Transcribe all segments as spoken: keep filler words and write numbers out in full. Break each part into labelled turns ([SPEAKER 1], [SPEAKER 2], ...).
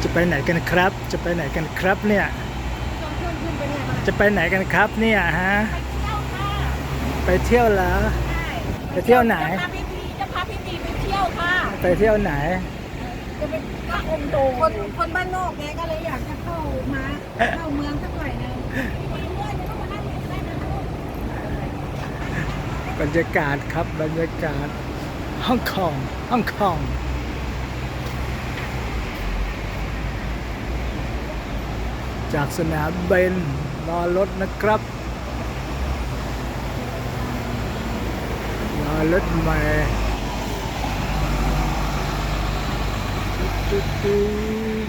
[SPEAKER 1] จะไปไหนกันครับ จะไปไหนกันครับเนี่ย
[SPEAKER 2] ชวนเพื่อนขึ้นไปเนี่ยมา
[SPEAKER 1] จะไปไหนกันครับเนี่ยฮะ
[SPEAKER 2] ไปเที่ยวค่ะ
[SPEAKER 1] ไปเที่ยวเหรอ
[SPEAKER 2] ใช่
[SPEAKER 1] ไปเที่ยวไหน
[SPEAKER 2] จะพาพี่พีจะพาพี่พีไปเที่ยวค่ะ
[SPEAKER 1] ไปเที่ยวไหน
[SPEAKER 2] จะเป็นพระองค์โตคนคนบ้านนอกไงก็เลยอยากจะเข้ามาเข้าเมืองสักหน่อยหนึงมีเมื่อยจะต้องมานั่งเรียนได้นะลูก
[SPEAKER 1] บรรยากาศครับบรรยากาศฮ่องกงฮ่องกงจากสนามบินรอรถนะครับรอรถใหม่ตุ๊ดตุ๊ด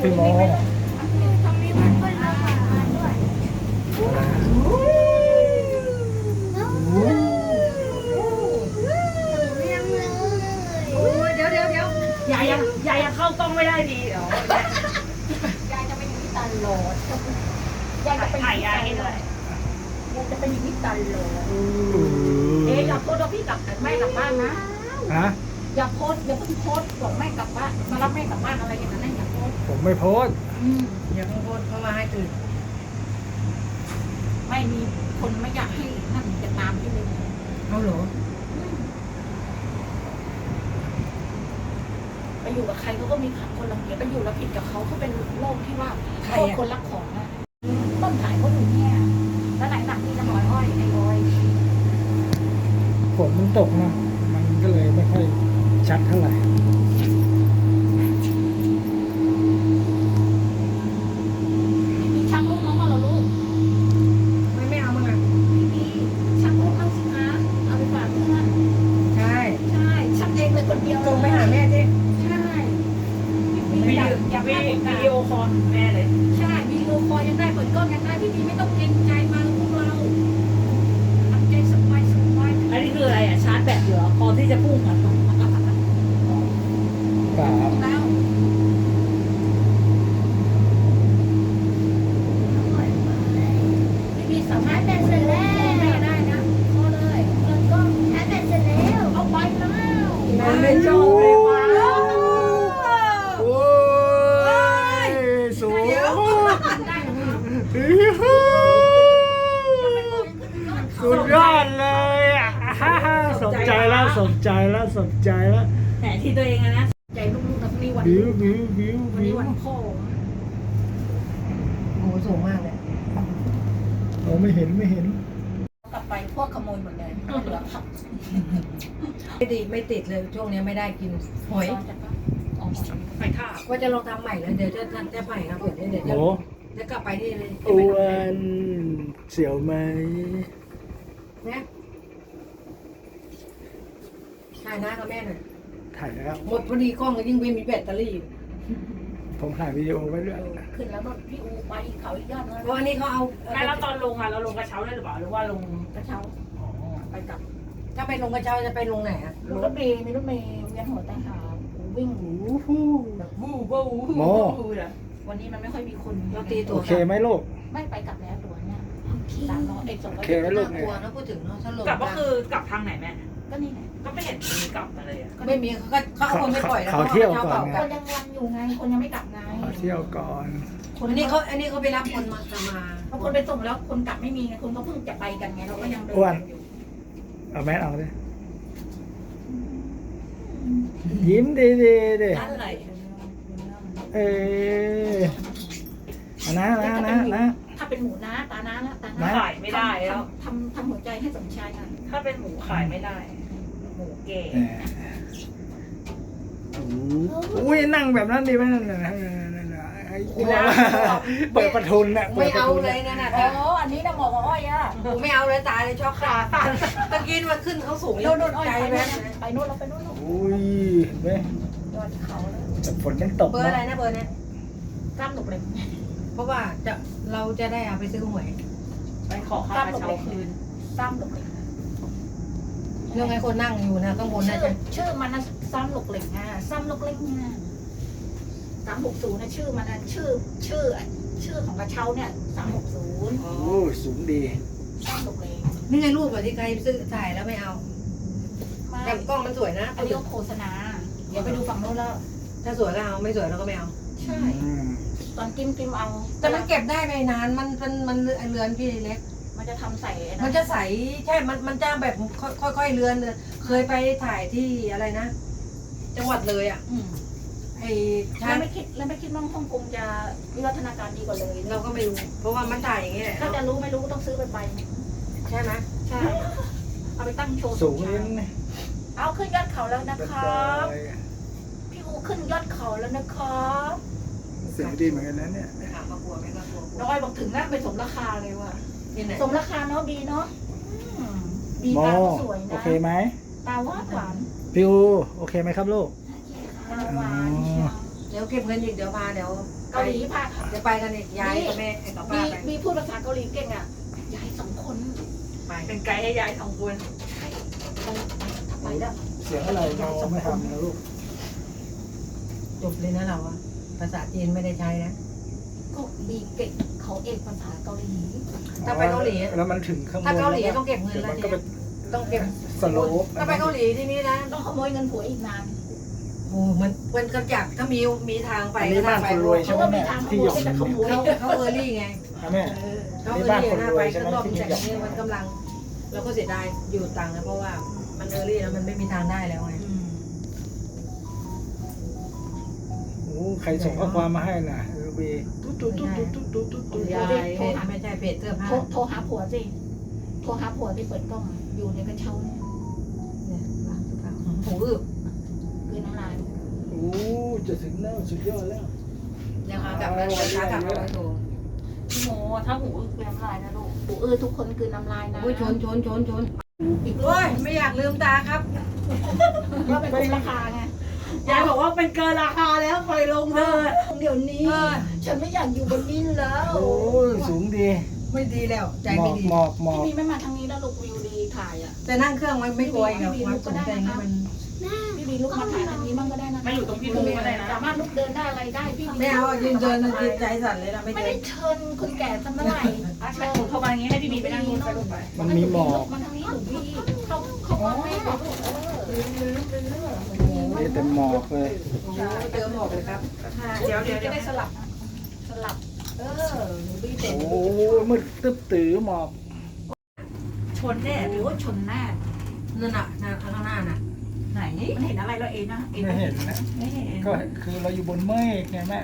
[SPEAKER 1] พี่โม
[SPEAKER 2] ทำมีวันเปิ้ลเอาฝากมาด้วย
[SPEAKER 3] เดี๋ยวเดี๋ยวเดี๋ยวยายยังยายยังเข้ากล้องไม่ได้ดีเหรอย
[SPEAKER 2] ายจะไปอยู่ที่ตลอดยายจะไป
[SPEAKER 3] ถ่ายยายให้ด้วย
[SPEAKER 2] ยายจะไปอยู่ที่ตลอด
[SPEAKER 3] เอ๊ะอย่าโพสต์ว่าพี่กลับแม่กลับบ้านนะ
[SPEAKER 1] ฮะ
[SPEAKER 2] อย่าโพสต์อย่าเพิ่งโพสต์บอกแม่กลับบ้านมารับแม่กลับบ้านอะไรอย่างนั้นนะอย่าโพสต์
[SPEAKER 1] ผมไม่โพสต์
[SPEAKER 2] อืม
[SPEAKER 3] อย่าเพิ่งโพสต์เข้ามาให้ตื่น
[SPEAKER 2] ไม่มีคนไม่อยากให้นั่นจะตามที่เลย
[SPEAKER 3] เอาเหรอ
[SPEAKER 2] ไปอยู่กับใครเขาก็มีคนรังเกียจไปอยู่แล้วผิดกับเขาเขาเป็นโรคที่ว่าโทษคนรักของอะต้นถ่ายเขาอยู่เนี่ยแล้วไหนหนักนี่น้ำหอยอ้อยไอ้อ้อย
[SPEAKER 1] ฝนมันตกนะมันก็เลยไม่ค่อยชัดเท่าไหร่
[SPEAKER 2] มีช่างลูกน้องมาเหรอลูก
[SPEAKER 3] ไม่ไม่เอามึงอ่ะ
[SPEAKER 2] มีช่างลูกน้องสิคะเอาไปฝากเพื่อน
[SPEAKER 3] ใช่
[SPEAKER 2] ใช่ช่างเองเลยคนเดียว
[SPEAKER 3] ส่งไปหาแม่สิ
[SPEAKER 2] ใช่
[SPEAKER 3] วิ
[SPEAKER 2] มี
[SPEAKER 3] ดี
[SPEAKER 2] อยาก
[SPEAKER 3] โอ
[SPEAKER 2] อยากได้ผลงาน
[SPEAKER 3] วิดีโอคอลแม่เลย
[SPEAKER 2] ใช่วิดีโอคอลยังได้เปิดกล้องยังได้พี่ดีไม่ต้องเกรงใจมาพวกเราทำใจสบายสบาย
[SPEAKER 3] อันนี้คืออะไรอ่ะชาร์จแบตเหรอคอที่จะพุ่งอ่ะ
[SPEAKER 1] เปล่า
[SPEAKER 2] แล้ว ไม่มีสามารถแบตเสร็จแล้วแม่ได้นะพอเลยเปิดกล้องแบตเสร็จแล้วเอาไปแล้ว
[SPEAKER 3] แม่ไม่ชอบเลยว้า
[SPEAKER 1] โอ้ยสูง
[SPEAKER 2] ได้ไหม
[SPEAKER 1] สุดยอดเลยอ่ะฮ่าฮ่าสนใจแล้วสนใจแล้วสนใจแล้ว
[SPEAKER 3] แหมที่ตัวเองอะนะ
[SPEAKER 2] ใจลูกๆนะนี่วัน
[SPEAKER 1] บิวบิวบิว
[SPEAKER 2] วัน
[SPEAKER 1] บิ
[SPEAKER 2] นี้
[SPEAKER 1] ว
[SPEAKER 2] วันพ่อ
[SPEAKER 3] โอ้สูงมากเลย
[SPEAKER 1] เราไม่เห็นไม่เห็น
[SPEAKER 2] กลับไปพวกขโมยหมดเลยเหลือผัก
[SPEAKER 3] ไม่ติดไม่ติดเลยช่วงนี้ไม่ได้กินหอย
[SPEAKER 2] อ๋อ
[SPEAKER 3] หอยทากว่าจะลองทำใหม่แล้วเดี๋ยวจะทำจะใหม่ครับเดี๋ยวเดี๋ยวจะ
[SPEAKER 1] โอ้
[SPEAKER 3] จะกลับไปนี่เลย
[SPEAKER 1] อ้วนเสียวไหม
[SPEAKER 3] นะถ่ายหน้ากับแม่หน่อย
[SPEAKER 1] ถ่ายแล้ว
[SPEAKER 3] หมดพอดีกล้องก็ยิ่งไม่มีแบตเตอรี่
[SPEAKER 1] ผมถ่ายวิดีโอไว้ด้วย
[SPEAKER 2] ขึ้นแล้วรถพี่อูไปเขาอีกยอดเลย
[SPEAKER 3] เพราะอันนี้เขาเอา
[SPEAKER 4] ไม่แล้วตอนลงอ่ะเราลงกระเช้าได้หรือเปล่าหรือว่าลง
[SPEAKER 2] กระเช้าไปกลับ
[SPEAKER 3] ถ้าไปลงกระเช้าจะไปลงไหนอะ
[SPEAKER 2] รถเมย์มีรถเมย์เวียนหัวใจหาวิ่ง
[SPEAKER 3] แบบวูบวูบ
[SPEAKER 1] โม
[SPEAKER 2] วันนี้มันไม่ค่อยมีคน
[SPEAKER 3] เราตีตั
[SPEAKER 1] โอ
[SPEAKER 3] ว
[SPEAKER 1] เคไหมลูก
[SPEAKER 2] ไม่ไปกลับแล้วตัวเนี้ยสามร้อยเอกสองร้
[SPEAKER 1] โอ
[SPEAKER 2] อย
[SPEAKER 1] เคไหมลูก
[SPEAKER 3] น่ากลัวนะพูดถึงเนาะถ้าลง
[SPEAKER 4] กลับก็คือกลับทางไหนแม่
[SPEAKER 2] ก็นี่ไง
[SPEAKER 4] ก็ไม่เห็นมีกลับมาเลยอ่ะ
[SPEAKER 3] ไม่มีเขาก็เขาเอาคนไม่ปล่อยแล้ว
[SPEAKER 1] เขาเที่ยวก่อน
[SPEAKER 3] ไง
[SPEAKER 2] คนยังวันอยู่ไง คนยังไม่กลับไง
[SPEAKER 1] ขอเที่ยวก่อน
[SPEAKER 3] อันนี้เขาอันนี้เขาไปรับคนมาจะมา
[SPEAKER 2] บางคนไปส่งแล้วคนกลับไม่มีไงคนก็เพิ่งจะไปกันไงเราก็ยังเดินกันอยู่
[SPEAKER 1] เอาแมสเอาดิยิ้มดีดีๆดิ
[SPEAKER 3] อะไร
[SPEAKER 1] เออเอานะนะนะนะ
[SPEAKER 2] ถ้าเป็นหมูน้าตาน้านะตา
[SPEAKER 1] นะ
[SPEAKER 2] น้า
[SPEAKER 4] ขายไม่ได้แล้ว
[SPEAKER 2] ทำทำหัวใจให้สมชายนะ
[SPEAKER 4] ถ้าเป็นหมูขายไม่ได้ หมูเก๋
[SPEAKER 1] แหมอุ้ยนั่งแบบนั้นดีไหมนั่นน่ะไอ้กลัวเปิดประทุนน่ะเปิ
[SPEAKER 3] ไม่
[SPEAKER 1] ดประ
[SPEAKER 3] เอา
[SPEAKER 1] ทุน
[SPEAKER 3] เล
[SPEAKER 1] น่ะ
[SPEAKER 3] ยนะน่ะ
[SPEAKER 2] อ๋ออันนี้นะหมอกอ้อยอ่ะ
[SPEAKER 3] ผมไม่เอาเลยตายเลยชอบขาตาตะกี้มาขึ้นเขาสูง
[SPEAKER 2] โน่นโน่นอ้อย
[SPEAKER 3] ใจ
[SPEAKER 2] ไป
[SPEAKER 3] แม่
[SPEAKER 2] โน่นไปโน่นเราไปโน่น
[SPEAKER 1] อุ้ยเห็นไหม
[SPEAKER 2] ยอดเขาเลย
[SPEAKER 1] แต่ฝนยังตก
[SPEAKER 3] เบอร์อะไร
[SPEAKER 1] นะ
[SPEAKER 3] นะเบอร์เนี้ย
[SPEAKER 2] กล้ามหนุกเลย
[SPEAKER 3] เพราะว่าจะเราจะได้เอาไปซื้อหวย
[SPEAKER 4] ไปขอค่ากระเช้าคืน
[SPEAKER 2] กล้ามหนุกเลย
[SPEAKER 3] เรื่องไอ้คนนั่งอยู่นะข้างบนน่า
[SPEAKER 2] ชื่อ
[SPEAKER 3] จะ
[SPEAKER 2] ชื่อมันนะซ้ำหนุกเหล็กอ่ะซ้ำหนุกเหล็กเนี่ยสามหกศูนย์นะชื่อมันนะชื่อชื่อชื่อของกระเช้าเนี่ยสามหกศูนย์
[SPEAKER 1] โอ้ยสูงดี
[SPEAKER 2] ซ้ำหนุกเหล็ก
[SPEAKER 3] นี่ไงรูปอะที่ใครซื้อถ่ายแล้วไม่เอา
[SPEAKER 2] ไม่
[SPEAKER 3] แต่กล้องมันสวยนะ
[SPEAKER 2] อันนี้ก็โฆษณาเดี๋ยวไปดูฝั่งโน้นแล้ว
[SPEAKER 3] ถ้าสวยก็เอาไม่สวยเราก็ไม่เอา
[SPEAKER 2] ใช่
[SPEAKER 1] อืม
[SPEAKER 2] ตอนกิมกิมเอา
[SPEAKER 3] แต่มันเก็บได้ไม่นานมันมันมันเรือนพี่เล็ก
[SPEAKER 2] มันจะทำใส่
[SPEAKER 3] มันจะใสใช่ มันมันจะแบบค่อยค่อยๆเรือนเลยเคยไปถ่ายที่อะไรนะ จังหวัดเลยอ่ะ
[SPEAKER 2] อืม
[SPEAKER 3] ไอ้
[SPEAKER 2] แล้
[SPEAKER 3] ช้าว ง
[SPEAKER 2] ไม่คิดแล้วไม่คิดว่าฮ่องกงจะวิวัฒนาการดีกว่าเลย
[SPEAKER 3] เราก็ไม่รู้ เพราะว่ามันถ่ายอย่างนี้แหละ
[SPEAKER 2] ถ้าจะรู้ไม่รู้ก็ต้องซื้อไปไป
[SPEAKER 3] ใช่ไหม
[SPEAKER 2] ใช่ เอาไปตั้งโชว์
[SPEAKER 1] สูงนิดนึง
[SPEAKER 2] เอาขึ้นยอดเขาแล้วนะ
[SPEAKER 1] แบบ
[SPEAKER 2] ครับ
[SPEAKER 1] เลย
[SPEAKER 2] พี่อูขึ้นยอดเขาแล้วนะครับ
[SPEAKER 1] เสียงดีเหมือนกันนะเนี่ย
[SPEAKER 3] ถามมากลัวไหมก็กลัว
[SPEAKER 2] น้องอ้อยบอกถึงนะไปสมราคาเลยว่ะ
[SPEAKER 3] ที่ไหน
[SPEAKER 2] สมราคาเนาะดีเนาะอืมดี
[SPEAKER 1] โม
[SPEAKER 2] ตาก็สวย
[SPEAKER 1] โอ
[SPEAKER 2] นะ
[SPEAKER 1] เคไหม
[SPEAKER 2] ตาหวานหวาน
[SPEAKER 1] พิวโอเคไหมครับลูก
[SPEAKER 2] ตาหวานเชียว
[SPEAKER 3] เดี๋ยวเก็บเงินอีกเดี๋ยวพาเดี๋ยว
[SPEAKER 2] กเกาหลีพา
[SPEAKER 3] จะไปกันเนี่ยยายกับแม่กับ
[SPEAKER 2] มี
[SPEAKER 3] ป้าไป
[SPEAKER 2] มีพูดภาษาเกาหลีเก่งอ่ะยายสองคน
[SPEAKER 3] ไป
[SPEAKER 4] เป็นไกด์ให้ยายสองคน
[SPEAKER 2] ใช่ไปทำไมล่ะ
[SPEAKER 1] เสียงอะไรเราไม่ทำนะลูก
[SPEAKER 3] จบเลยนะเราอะภาษาจีนไม่ได้ใช้นะ
[SPEAKER 2] ก็มีเก่งเขาเอกภาษาเกาหลี
[SPEAKER 3] ถ้าไปเกาหลี
[SPEAKER 1] แล้วมันถึงข้างบน
[SPEAKER 3] ถ้าเกาหลีต้องเก็บเงิน
[SPEAKER 1] ดี๋ยว
[SPEAKER 3] แล้ว
[SPEAKER 1] มัน
[SPEAKER 3] เนี่
[SPEAKER 1] ก็
[SPEAKER 3] ย
[SPEAKER 1] เป็น
[SPEAKER 3] ต้องเก็บ
[SPEAKER 1] สโลป
[SPEAKER 3] ถ้าไปเกาหลีที่นี่นะ
[SPEAKER 2] ต้องขโมยเงินผัวอีกนาน
[SPEAKER 3] โอ้มันมันกระจักถ้ามีมีทางไป
[SPEAKER 1] อันนี้บ้านคนรวยใช่ไหมแม่ที่หยก
[SPEAKER 2] จะขโมย
[SPEAKER 3] เขาเขาเออร์ลี่ไง
[SPEAKER 1] อ่ะแม่
[SPEAKER 3] เขาเออร์ลี่หน้าไปก็รอบจากนี้มันกำลังเราก็เสียดายอยู่ตังค์นะเพราะว่ามันเออร์ลี่แล้วมันไม่มีทางได้แล้วไง
[SPEAKER 1] โอ้ใครส่งข้อความมาให้น่ะเออบีตุ๊ดตุ๊ดตุ๊ดตุ๊ดตุ๊ดตุ๊ดตุ๊ด
[SPEAKER 3] ยายเพจไม่ใช่เพจเสื้อผ้า
[SPEAKER 2] โทรโทรหาผัวสิโทรหาผัวที่เปิดกล้องอะอยู่ในกระเช้าเนี่ย
[SPEAKER 3] เนี่ยร้านเสื้อผ้าหูอึบ
[SPEAKER 2] คือน้ำลาย
[SPEAKER 1] โอ้จะถึงแล้วสุดยอดแล้ว
[SPEAKER 3] ยังหากลับแล้วช้ากลับมาโทร
[SPEAKER 4] พี่โมถ้าหูอึกเป็นน้ำลายนะลูก
[SPEAKER 2] ปูเออทุกคนคือน้ำลายนะ
[SPEAKER 3] อุ้ยชนชนชนชน
[SPEAKER 2] อีก
[SPEAKER 3] โอ้ยไม่อยากลืมตาครับ
[SPEAKER 2] ก็เป็นคนราคาไง
[SPEAKER 4] ยายบอกว่าเป็นเกินราคาแล้วปล่อยลงเถอะ
[SPEAKER 2] เดี๋ยวนี้ ฉันไม่อยากอยู่บนนี้แล้ว
[SPEAKER 1] โอ้ยสูงดี
[SPEAKER 3] ไม่ดีแล้วใจ
[SPEAKER 1] หม
[SPEAKER 3] ไม่
[SPEAKER 1] อก
[SPEAKER 3] ดี
[SPEAKER 1] หมอกหมอก
[SPEAKER 2] พี่มีไม่มาทางนี้แล้วลูกวิวดีถ่ายอ่ะ
[SPEAKER 3] แต่นั่งเครื่องมันไม่กลัวอีกหรอกความสูงใจนี่มัน
[SPEAKER 2] พี่มีลุกมาถ่ายทางนี้มั่งก็ได้นะ
[SPEAKER 4] ไม่อยู่ตรงพี่โมก็ได้นะ
[SPEAKER 2] สามารถลุกเดินได้อะไรได้พี่
[SPEAKER 3] ไม่เอาอ่ะยืนเดินมันจิตใจสั่นเลยนะไม่
[SPEAKER 2] ไม่
[SPEAKER 3] เดิ
[SPEAKER 2] ได้
[SPEAKER 3] น
[SPEAKER 2] เชิญคนแก่สักเมื่อไหร่
[SPEAKER 4] อ่ะใช่หนูเข้ามาอย่างงี้ให้พี่บีไปนั่งนู่นไปลูกไป
[SPEAKER 1] มันมีหมอก
[SPEAKER 2] มันทางนี้หนูพี่เขาเขาว่าไม่เขาเออลืมลืมลืม
[SPEAKER 1] โอ้ยแต่หมอกเลย
[SPEAKER 3] โอ้โหเจอหมอกเลยครับ
[SPEAKER 4] เดี๋ยวเดี๋ยว
[SPEAKER 2] จะ
[SPEAKER 4] เดี๋ยว
[SPEAKER 2] ได้สลับสลับ เออหนูพี่เต็ม
[SPEAKER 1] โอ้ยมืดตึ๊บตื้อหมอก
[SPEAKER 2] ชนแน่หรือว่าชนแน่
[SPEAKER 3] นั่นน่ะข้างหน้าน่ะ
[SPEAKER 2] ไหนมันเห็นอะไรเราเองนะเอง
[SPEAKER 1] ไม่เห็นนะ
[SPEAKER 2] ไม่เห็น
[SPEAKER 1] ก็คือเราอยู่บนเมฆไงแม่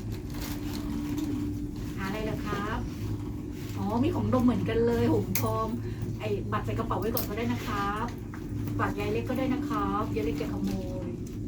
[SPEAKER 2] หาอะไรเหรอครับ อ๋อ มีของดมเหมือนกันเลยหุ่มทองไอ้บัตรใส่กระเป๋าไว้ก่อนก็ได้นะครับบัตรยายเล็กก็ได้นะครับยายเล็กจะขโมย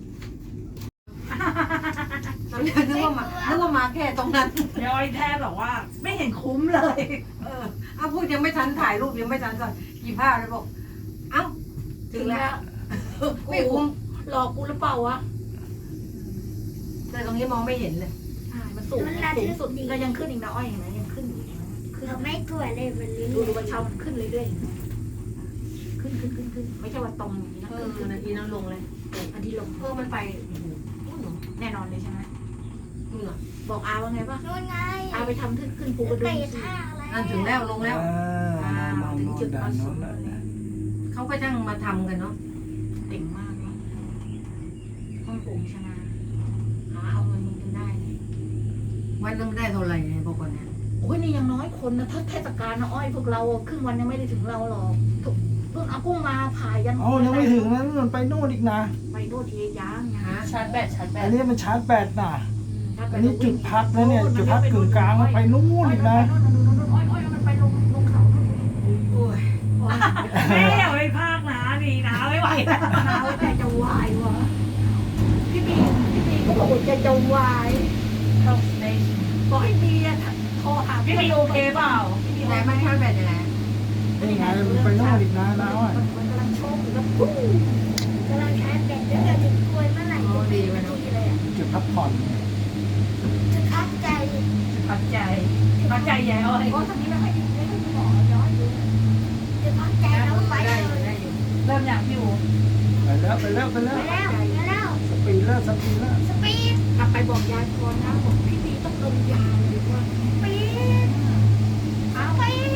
[SPEAKER 3] ตอนแรกนึกว่ามานึกว่ามาแค่ตรงนั้น
[SPEAKER 4] ยายแทบบอกว่า ไม่เห็นคุ้มเลย
[SPEAKER 3] เออเอาพูดยังไม่ทันถ่ายรูปยังไม่ทันก่อนกี่ภาพเลยบอกเอ้าถึงแล้วไม่คุ้ม
[SPEAKER 2] หลอกกูหรือเปล่าวะ
[SPEAKER 3] แต่ตรงนี้มองไม่เห็นเลย
[SPEAKER 2] ใช่มันสูงสูงสุดก็ยังขึ้นอีกนะอ้อยเห็นไหมยังขึ้นอยู่นะขึ้น
[SPEAKER 5] เราไม่กลัวเลยวันนี้
[SPEAKER 2] ดูดูบันเชามันขึ้นเรื่อยๆขึ้นขึ้นขึ้นขึ้นไม่ใช่ว่าตรงอย่างนี้นะ
[SPEAKER 3] เอ
[SPEAKER 2] ขึ้
[SPEAKER 3] อน
[SPEAKER 2] ขึ้น
[SPEAKER 3] นาทีนั้นลงเลย
[SPEAKER 2] อันที่ลง
[SPEAKER 3] เออมันไปโอ้โห
[SPEAKER 2] แน่นอนเลยใช่ไหม
[SPEAKER 3] นู่นน่ะ
[SPEAKER 2] บอกอาว่าไงป่ะ
[SPEAKER 5] นู่นไง
[SPEAKER 2] อาไปทำขึ้นขึ้นภูกระดึ
[SPEAKER 5] เตะ
[SPEAKER 2] งสิ
[SPEAKER 5] ท่าอะไร
[SPEAKER 3] นั่นถึงแล้วลงแล้ว
[SPEAKER 1] อ่ามองโน่นด้านโน้นแล้ว
[SPEAKER 3] เขาก็ช่างมาทำกันเนาะ
[SPEAKER 2] เก่งมากเนาะห้องปู่ชนะหาเอาเงินมึงกันได้เนี่ย
[SPEAKER 3] วันนึงได้เท่าไหร่เนี่ยบอกก่อนเนี่ย
[SPEAKER 2] โอ้ยนี่ยังน้อยคนนะถ้าเทศกาลนะอ้อยพวกเราครึ่งวันยังไม่ได้ถึงเราหรอกทุกรุ่นอากุ้งมาผ่ายัน
[SPEAKER 1] อ๋อยังไม่ถึงนะนู่นไปโน่นอีกนะ
[SPEAKER 2] ไปโน่นทียางไง
[SPEAKER 3] ฮะ
[SPEAKER 4] ชาร์จแบตชาร์จแบ
[SPEAKER 1] อั
[SPEAKER 4] ต
[SPEAKER 1] นนี้มันชาร์จแบตน่ะ อันนี้จุดพักแล้วเนี่ยจุดพักกึ่งกลางมันไปนู่นอีกนะ
[SPEAKER 2] อ้อยอ้อยมันไปลงลงเขา
[SPEAKER 3] โอ้ย
[SPEAKER 4] แม่อย่าไปพากนะดีนะไม่ไหวแล้ว
[SPEAKER 2] หนาวใจจะวายวะพี่บีพี่บีก็บอกว่าใจจะวาย
[SPEAKER 4] ต้องใน
[SPEAKER 2] บอกให้บีอะโทรหา
[SPEAKER 4] พี่บีโอเคเปล่า
[SPEAKER 3] ไหนมันชาร์จแบตยังไง
[SPEAKER 1] นี่ไงมันไปโน่นอีกนะน้าอ้อย
[SPEAKER 2] มันกำลังโชคแล้วปุ้ง
[SPEAKER 5] กำลังใช้แบตแล้วจะถึงกลวยเมื่อไหร่
[SPEAKER 3] โอ้ดีไปเนาะ
[SPEAKER 2] ที่เลยอ่ะ
[SPEAKER 1] จุดพักผ่อน
[SPEAKER 5] จะพักใจ
[SPEAKER 4] พักใจพักใจยายอ้อย
[SPEAKER 2] เพราะตอนนี้ไม่ค่อยดีไม่ค่อยมีหมอย้อนอยู่
[SPEAKER 5] จะพักใจแล้วไป
[SPEAKER 3] ได้
[SPEAKER 5] เล
[SPEAKER 3] อยู่
[SPEAKER 5] ย
[SPEAKER 3] ได้อยู่
[SPEAKER 4] เริ่มอยากอยู่
[SPEAKER 1] ไปแล้วไปแล้วไปแล้ว
[SPEAKER 5] ไปแล้วไปแล้ว
[SPEAKER 1] สปีดแล้วสปีดแล้ว
[SPEAKER 5] สปีด
[SPEAKER 2] กลับไปบอกยายพรนะบอกพี่บีต้องลงยาเลยว่า
[SPEAKER 5] สปีด
[SPEAKER 2] อ้าว
[SPEAKER 5] สปีด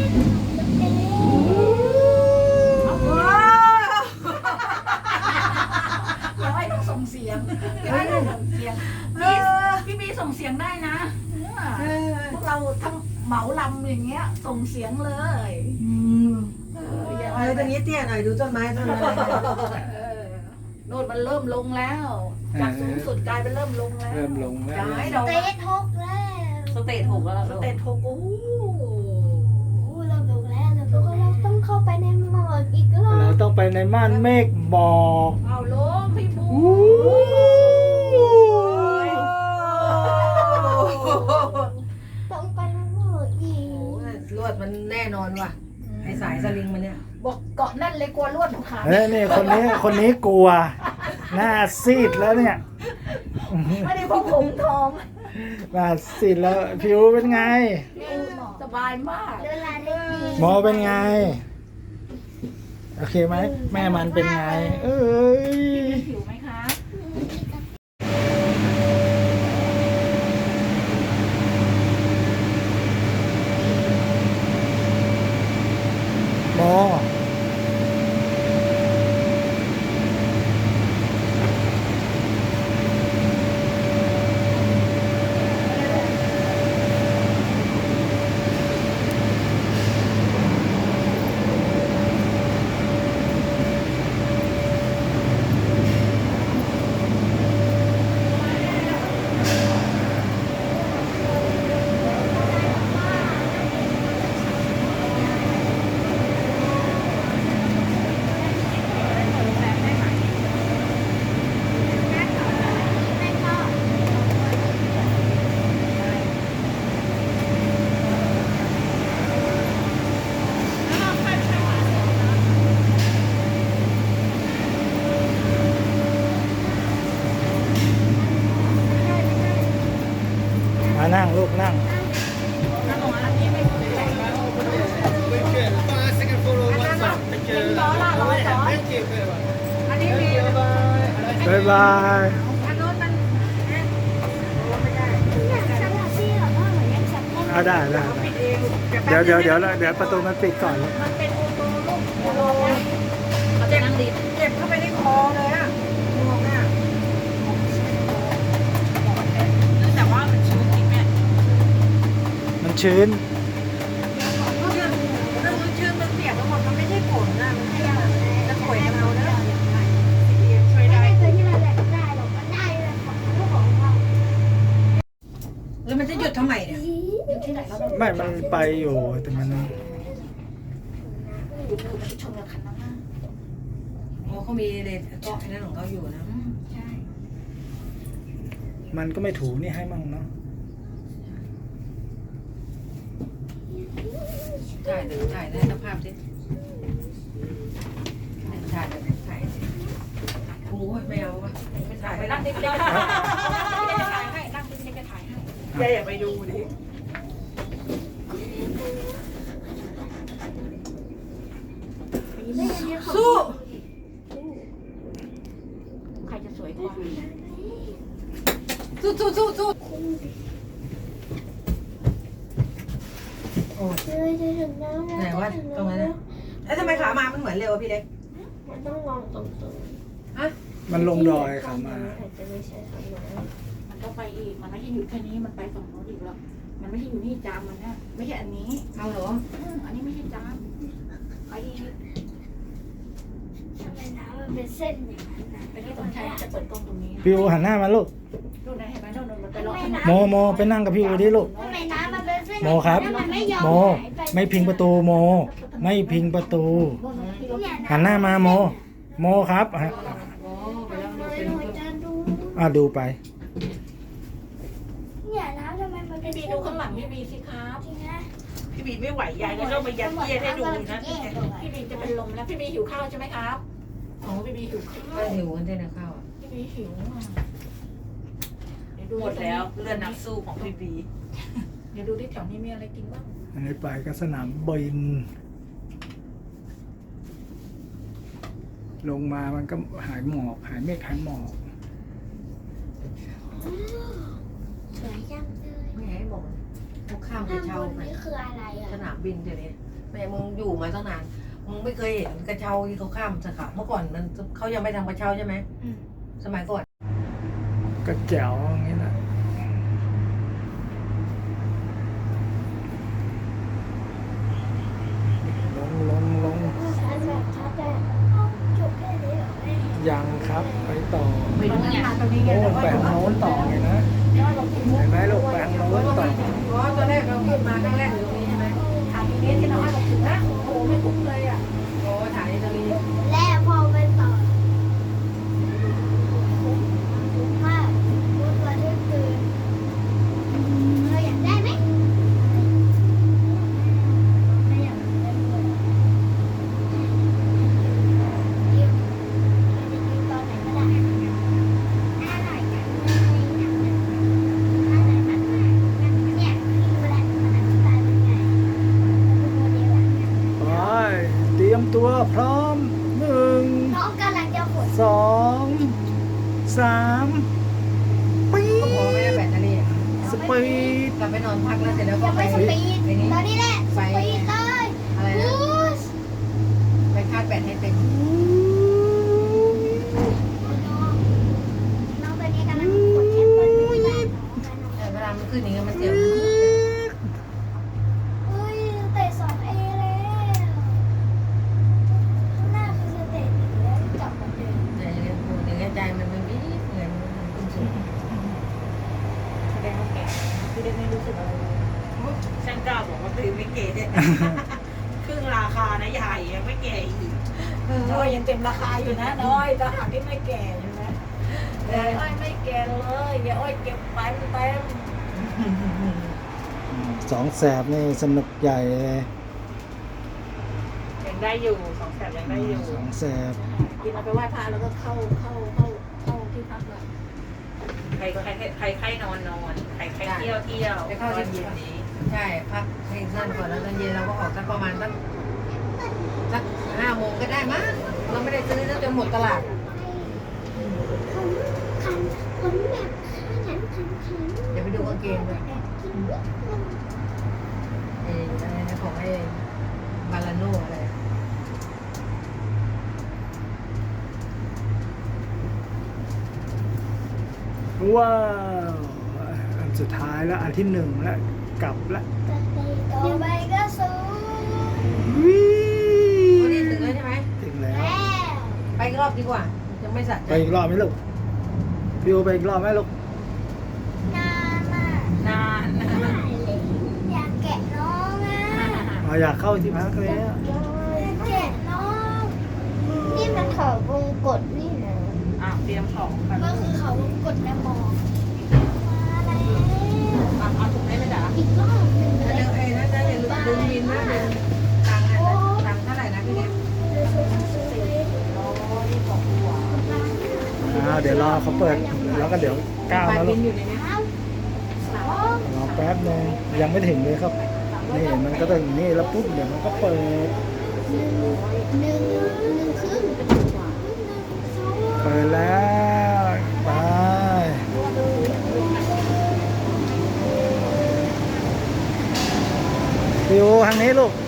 [SPEAKER 2] ย้อยต้องส่งเสียงย้อยต้องส่งเสียงพี่พี่บีส่งเสียงได้นะพวกเราทั้งเหมาลำอย่างเงี้ยส่งเสียงเลย
[SPEAKER 3] อืม
[SPEAKER 2] เอออย่า
[SPEAKER 3] เออตรงนี้เตี้ยหน่อยดูต้นไม้ต้นอะไร
[SPEAKER 2] เออโน่นมันเริ่มลงแล้ว จากสูงสุดกลายเป็นเริ่มลงแล้ว
[SPEAKER 1] เริ่มลงแล้ว
[SPEAKER 2] ย้ายเรา
[SPEAKER 5] เตะทกแล้ว
[SPEAKER 4] สเตจหกแล้ว
[SPEAKER 2] สเตจโทโก้
[SPEAKER 5] โอ้เราดูแล้วเราดูเราต้องเข้าไปในหมอกอีกรอ
[SPEAKER 1] เรา
[SPEAKER 5] บ
[SPEAKER 1] ต้องไปในม่านเมฆบอก
[SPEAKER 2] เอาลงพี่บู
[SPEAKER 1] อู้
[SPEAKER 5] ต้องไปในหมอกอี
[SPEAKER 3] โอ้
[SPEAKER 5] ก
[SPEAKER 3] ลวดมันแน่นอนว่ะไอสายสลิงมันเนี่ย
[SPEAKER 2] บอกเกาะแนั่นเลยกลัวลวดขาด
[SPEAKER 1] เฮ้ยนี่คนนี้คนนี้กลัว หน้าซีดแล้วเนี่ย
[SPEAKER 2] ไม่ได้พกผมทอง
[SPEAKER 1] มาสิแล้วผิวเป็นไง
[SPEAKER 2] สบายมาก
[SPEAKER 5] เวลาได้กิน
[SPEAKER 1] หมอเป็นไง โอเคไหม แม่มันเป็นไง เอ้ย
[SPEAKER 2] ผิวไหมคะ
[SPEAKER 1] หมอ มานั่งลูกนั่ง
[SPEAKER 2] เป็นล้อละร้อยร้อยอันนี้มี
[SPEAKER 1] บ๊ายบาย
[SPEAKER 2] อันนู้นมัน
[SPEAKER 5] อยากสัมผัสที่แบบว่าเหมือนยังสัมผัส
[SPEAKER 1] เอาได้ได้เดี๋ยวเดี๋ยวเดี๋ยวเดี๋ยวประตูมันปิดก่อน
[SPEAKER 2] มันเป็นโอโตลูกโอโตเขาจะนั่งดี
[SPEAKER 3] เจ็บเข้าไปในคอเลยอ่ะงวงอ่ะ
[SPEAKER 2] แต่ว่ามันชื้นจริงแม่
[SPEAKER 1] มันชื้น
[SPEAKER 3] เรื่องชื่อมันเปียกทั้งหมดมันไม่ใช่ฝนนะมันแค่จะป่วยกับเรานะ
[SPEAKER 2] ช่วย
[SPEAKER 5] ไม่
[SPEAKER 2] ได้
[SPEAKER 5] ได้ตัวที่เราแบบได้หรอกมันได้เลยของลูกของเรา
[SPEAKER 3] แล้วมันจะหยุดทำไมเนี่ย
[SPEAKER 2] อยู่ที่ไหนแล้วเรา
[SPEAKER 1] ไม่ มันไปอยู่แต่มัน
[SPEAKER 2] อยู่อยู่มันชนกับคันนั้นนะ
[SPEAKER 3] อ๋อเขามีเลนเกาะไอ้นั่นของเขาอยู่นะ
[SPEAKER 2] อืมใช่
[SPEAKER 1] มันก็ไม่ถูนี่ให้มั่งเนาะ
[SPEAKER 3] ถ่ายเดี๋ยวถ่ายได้สภาพสิถ่ายเดี๋ยวถ่ายสิโอ้ยไม่เอาวะไม่ถ่าย
[SPEAKER 2] ไป
[SPEAKER 3] ไม่
[SPEAKER 2] นั่
[SPEAKER 3] ได้
[SPEAKER 2] งดิพี่เล็กจะถ่ายให้นั่งดิพี่เล็กจะถ่ายให้
[SPEAKER 3] แกอย่าไปดูดิ สู้
[SPEAKER 2] ใครจะสวยกว่า
[SPEAKER 3] สู้สู้สู้สู้
[SPEAKER 5] เลยจะถึงแล้ว
[SPEAKER 3] ไหนวะตรงนั้นนะแล้วทำไมขามามันเหมือนเร็วอะพี่เล็ก
[SPEAKER 5] มันต้องมองตรง
[SPEAKER 3] ฮะ
[SPEAKER 1] มันลงดอยเขามา
[SPEAKER 5] อาจจะไม่ใช่คำนั้น
[SPEAKER 2] มันก็ไปอีกมันไม่ใช่อยู่แค่นี้มันไปฝั่งโน้นอีกแล้วมันไม่ใช่อยู่นี่จามมันนะไม่ใช่อันนี้
[SPEAKER 3] เอาเหรอ
[SPEAKER 2] อืมอันนี้ไม่ใช่จามไปอีก
[SPEAKER 5] ทำไมน้ำมันเป็นเส้นอย่างนั้นนะ
[SPEAKER 2] ไปที่สนใจจะเปิดกล้องตรงนี้
[SPEAKER 1] พี่อูหันหน้ามาลูก
[SPEAKER 2] ดูนะเห็นไหมโน่นมันไปรอข้างหน้า
[SPEAKER 1] โมโมไปนั่งกับพี่อูดิลูก
[SPEAKER 5] ทำไมน้ำมันเป็นเส้น
[SPEAKER 1] โมครับ
[SPEAKER 5] แล้วมันไม่ยอม
[SPEAKER 1] โม
[SPEAKER 5] หายไป
[SPEAKER 1] ไม่พิงประตูโม ไม่พิงประตู
[SPEAKER 2] โน่นนะที่รถ
[SPEAKER 5] เนี่ย
[SPEAKER 1] หันหน้ามาโม โมครับอ่ะ
[SPEAKER 3] โอ้ไปแล้ว
[SPEAKER 5] เล
[SPEAKER 3] ดู
[SPEAKER 5] ย
[SPEAKER 3] เป็น
[SPEAKER 5] หนูจะดู
[SPEAKER 1] อ่ะดูไป
[SPEAKER 5] เนี่ยน้ำทำไมมันเป็
[SPEAKER 2] พี่
[SPEAKER 5] น
[SPEAKER 2] บีดูข้างหลังพี่บีสิครับ
[SPEAKER 5] จริงนะ
[SPEAKER 3] พี่บีไม่ไหวยายก็ต้องไปยัดเยียดให้ดูนะ
[SPEAKER 2] พี่บีจะเป็นลมแล้วพี่บีหิวข้าวใช่ไหมครับโอ้พี่บีหิวข้าว
[SPEAKER 3] ก็หิวกันได้นะข้าวอ่ะ
[SPEAKER 2] พี่บีหิวอ่ะเดี๋ยวดู
[SPEAKER 4] หมดแล้วเลือดนักสู้ของพี่บี
[SPEAKER 2] เดี๋ยวดูที่แถวนี้มีอะไรกินบ้าง
[SPEAKER 1] อันนี้ไปก็สนามบิน ลงมามันก็หายหมอก หายเมฆหายหมอก
[SPEAKER 5] สวยจังเลย
[SPEAKER 3] ไม่ให้บอกพวกข้ามไป
[SPEAKER 5] ข้างบ
[SPEAKER 3] เช่าน ไป
[SPEAKER 5] นี่คืออะไรอ่ะ
[SPEAKER 3] สนามบินเดี๋ยวนี้แม่มึงอยู่มาตั้งนานมึงไม่เคยเห็นกระเช้าที่เขาข้ามสาขาเมื่อก่อนมันเขายังไม่ทำกระเช้าใช่ไหม
[SPEAKER 2] อืม
[SPEAKER 3] สมัยก่อน
[SPEAKER 1] ก็แจ๋วอย่างนี้แหละลงลงลง
[SPEAKER 5] ชัดแบบชัดแต่จบแค่นี้เหรอแม่
[SPEAKER 1] ยังครับไปต่อ
[SPEAKER 2] ไปดูงานตรงนี้ไง
[SPEAKER 1] โอ้
[SPEAKER 2] แต่ว่า
[SPEAKER 1] แปลงโน้นต่อไงนะ
[SPEAKER 2] เรากิน
[SPEAKER 1] เห็นไหมลูกแปลงโน้นต่อ
[SPEAKER 3] อ๋อตอนแรกเราขึ้นมาครั้งแรกอยู่ตรงนี้ใช่ไหม
[SPEAKER 2] ทานนี้ที่เราให้เราถึงนะโอ้โหไม่คุ้มเลยอ่ะ
[SPEAKER 3] โอ้ถ่ายตรงนี้
[SPEAKER 5] และพอไปต่อมากรู้ตัวที่คือเราอยากได้ไหมไม่อยากได้ด้วยยืมยืมตอนไหนก็ได้อะไรกันอะไรกันอะไรม
[SPEAKER 1] ยมตัวพร้อมหนึ่ง
[SPEAKER 5] น้องกำลังจะขน
[SPEAKER 1] สองสามปี๊
[SPEAKER 3] ก็พอไม่ได้แบตเตอรี่อะ
[SPEAKER 1] สปีด
[SPEAKER 3] กลับไปนอนพักแล้วเสร็จแล้วก็
[SPEAKER 5] ยัง
[SPEAKER 3] ไป
[SPEAKER 5] ไม่สปีด
[SPEAKER 3] ไปนี่
[SPEAKER 5] ตอนนี้แหละสปีดเลย
[SPEAKER 3] อะไรนะ
[SPEAKER 5] บูส
[SPEAKER 3] ไปคาดแบตให้เต็ม
[SPEAKER 5] น้องตัวนี้กำลังกดแอปเปิ้ลไม่ได้
[SPEAKER 3] เออเวลามันขึ้นอย่างเงี้ยมันเสียว
[SPEAKER 5] เฮ้ยเตะสองเอแล้วข้างหน้าคือสเตจหนึ่งแล้วกลับมาเดิม
[SPEAKER 3] เนี่ยอย่างเงี้ยอย่างเงี้ยใจมันมันวิบเหมือนมันขึ้นสูง
[SPEAKER 2] แสดงว่าแกพี่เด็กไม่รู้สึกอะไรเลย
[SPEAKER 4] ฉันกล้าบอกว่าตัวเองไม่เก๋เนี่ยครึ่งราคานะใหญ่ยังไม่เก๋อีก
[SPEAKER 2] น้อยยังเต็มราคาอยู่นะน้อยแต่หากที่ไม่แก่ใช่ไหมแต่อ้อยไม่แก่เลยเดี๋ยวอ้อยเก็บไปเต็ม
[SPEAKER 1] สองแสบนี่สนุกใหญ่เลย
[SPEAKER 4] ยังได้อยู่สองแสนยังได้อยู่
[SPEAKER 1] สองแสบ
[SPEAKER 2] กินเราไปไหว้พระแล้วก็เข้าเข้าเข้าเข้าที่พักเลย
[SPEAKER 4] ใครใครใครใครนอนนอนใครใครเที่ยวเที่ยว
[SPEAKER 3] ไปเข้า
[SPEAKER 4] ตอน
[SPEAKER 3] เย็
[SPEAKER 4] เย็
[SPEAKER 3] น
[SPEAKER 4] นนี้
[SPEAKER 3] ๆใช่พักให้นั่นก่อนแล้วตอนเย็นเราก็ออกสักประมาณสักสักห้าโมงก็ได้มั้งเราไม่ได้ซื้อจนหมดตลาด
[SPEAKER 5] ผมขันผมแบบขันขันขัน
[SPEAKER 3] เดี๋ยวไปดูกางเกงด้วย
[SPEAKER 5] แบบกินเยอะเลย
[SPEAKER 3] เอออะไรนะของไอ้บาลาโน่อะไร
[SPEAKER 1] ว้าวอันสุดท้ายแล้วอันที่หนึ่งแล้วกลับแล้ว
[SPEAKER 5] ต่อไปก็สูง
[SPEAKER 1] วิ
[SPEAKER 3] วันนี้ถึงแล้วใช่ไหม
[SPEAKER 1] ถึงแล้ว
[SPEAKER 5] แล้ว
[SPEAKER 3] ไปอีกรอบดีกว่าจะไม่สัตว์
[SPEAKER 1] ไปอีกรอบไหมลูกพี่โอไปอีกรอบไหมลูก
[SPEAKER 5] นานมาก
[SPEAKER 4] นานนะ
[SPEAKER 5] อยากแกะน้องอ่ะ
[SPEAKER 1] อ๋ออยากเข้าที่พักแล้ว
[SPEAKER 5] อยากแกะน้อง นี่มันเขาวงกดนี่นะ
[SPEAKER 4] อ่ะเตรียมของไป
[SPEAKER 5] ก็คือเขาวงกดแม่มองมาแล้ว
[SPEAKER 4] อ่ะเอาถุงให้ไหมจ๊ะ
[SPEAKER 5] อีกรอบหนึ่งเล
[SPEAKER 3] เดี๋
[SPEAKER 5] ย
[SPEAKER 3] ยวเอ้นะจ๊ะอย่าลืมลืมบินนะลืมตังค์นะตังค์เท่าไหร่นะพี่เล็ก
[SPEAKER 1] อ่าเดี๋ยวรอเขาเปิดแล้วก็เดี๋ยวก้าว
[SPEAKER 3] บัต
[SPEAKER 1] แล้
[SPEAKER 3] ร
[SPEAKER 1] ว
[SPEAKER 3] บิ
[SPEAKER 1] ลู
[SPEAKER 3] น
[SPEAKER 1] ก
[SPEAKER 3] อยู่ในนี้
[SPEAKER 5] สอง
[SPEAKER 1] รอแป๊บนึงยังไม่ถึงเลยครับนี่มันก็ต้องอย่างนี่แล้วปุ๊บเดี๋ยวมันก็เปิด
[SPEAKER 5] หนึ่งหนึ่งหนึ่งครึ่งหนึ่งสอง
[SPEAKER 1] เปิดแล้วไปพี่โอทางนี้ลูก